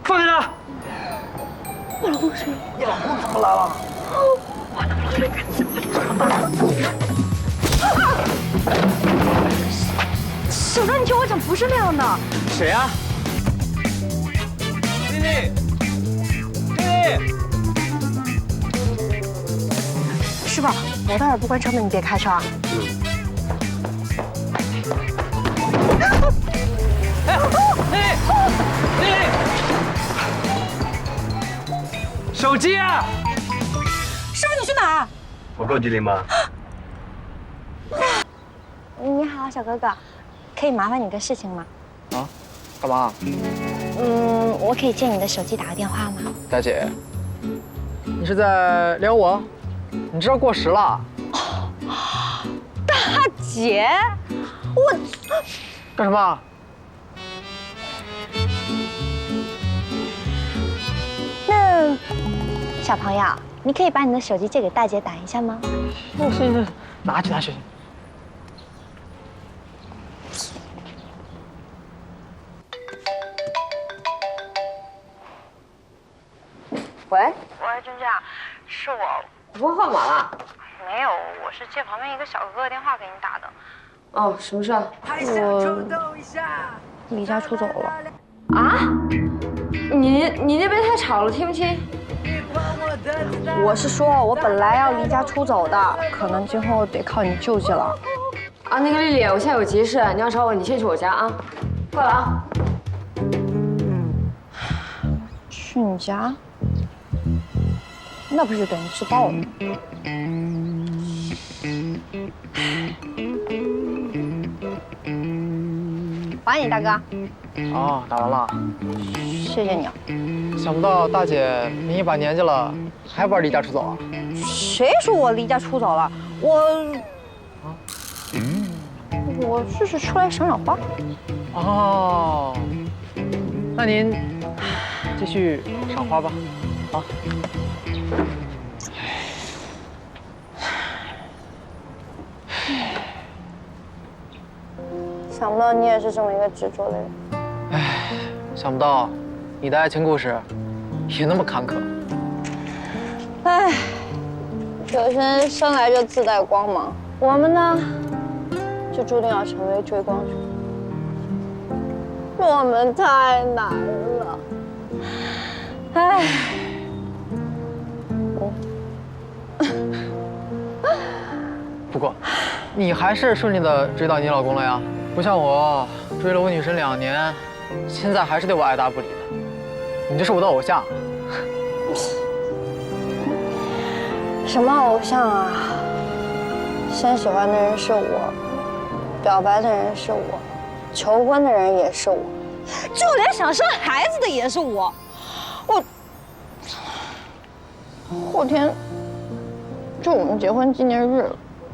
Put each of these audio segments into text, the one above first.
放下他！ 我老公谁？ 你老公怎么来了？ 我老公谁？小张，你听我讲，不是那样的。 谁呀？丽丽，丽丽， 师傅，我待会儿不关车门，你别开车啊。 哎，丽丽，手机啊！ 师傅，你去哪儿？ 我够机灵吗？ 你好，小哥哥，可以麻烦你个事情吗？ 啊？干嘛？ 我可以借你的手机打个电话吗？ 大姐，你是在撩我？你知道过时了。 大姐，我干什么？ 那小朋友，你可以把你的手机借给大姐打一下吗？ 行，拿去。 喂， 喂，君家，是我。 你拨号码了？ 没有，我是借旁边一个小哥哥的电话给你打的。 哦，什么事啊？ 我离家出走了。 啊？你那边太吵了，听不清。 我是说，我本来要离家出走的，可能今后得靠你救济了。 啊，那个丽丽，我现在有急事，你要找我，你先去我家啊。挂了啊。 去你家？那不是等于自爆了？还你大哥。 哦，打完了。 谢谢你啊。 想不到大姐你一把年纪了，还玩离家出走啊？ 谁说我离家出走了？我就是出来赏赏花。 哦，那您继续赏花吧。啊。 想不到你也是这么一个执着的人。 唉，想不到你的爱情故事也那么坎坷。 唉，有些人生来就自带光芒，我们呢，就注定要成为追光者。我们太难了。唉， 不过，你还是顺利的追到你老公了呀，不像我追了我女神2年，现在还是对我爱答不理的。你就是我的偶像。 什么偶像啊？先喜欢的人是我，表白的人是我，求婚的人也是我，就连想生孩子的也是我。后天就我们结婚纪念日了，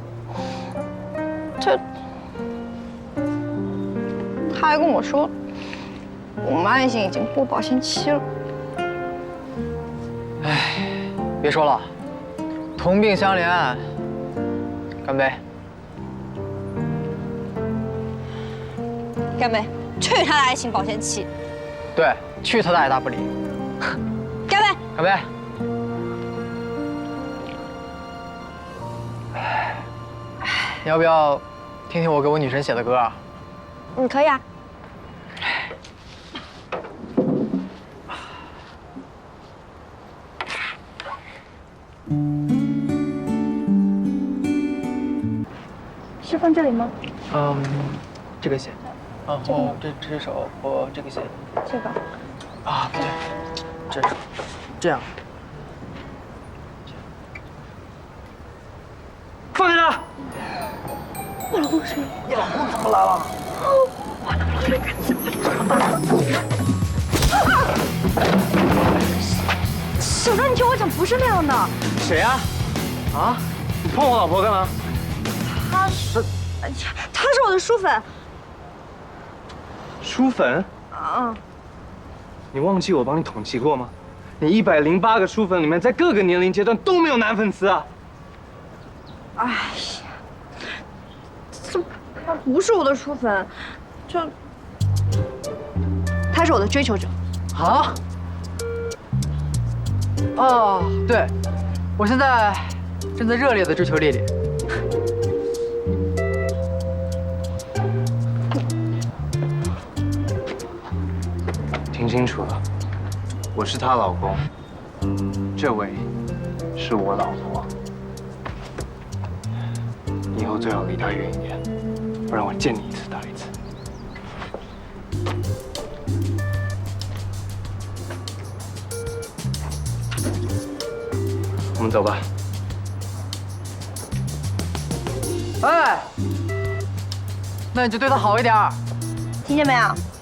他还跟我说，我们爱情已经过保鲜期了。 唉，别说了，同病相怜，干杯！ 干杯！去他的爱情保鲜期！ 对，去他的爱答不理！ 干杯！ 干杯！你要不要听听我给我女神写的歌啊？ 可以啊。是放这里吗？ 这个写，然后这首我这个写。 这个。 啊，不对，这是这样。 放下他！ 我老公谁？ 你老公怎么来了？ 我老公谁？小张，你听我讲，不是那样的。 谁呀？啊？你碰我老婆干嘛？ 他是我的书粉。 书粉？你忘记我帮你统计过吗？你108个书粉里面，在各个年龄阶段都没有男粉丝啊！ 哎呀，他不是我的书粉，他是我的追求者。 啊？ 哦，对，我现在正在热烈的追求丽丽。 听清楚了，我是她老公，这位是我老婆。以后最好离她远一点，不然我见你一次打一次。我们走吧。 哎，那你就对她好一点。 听见没有？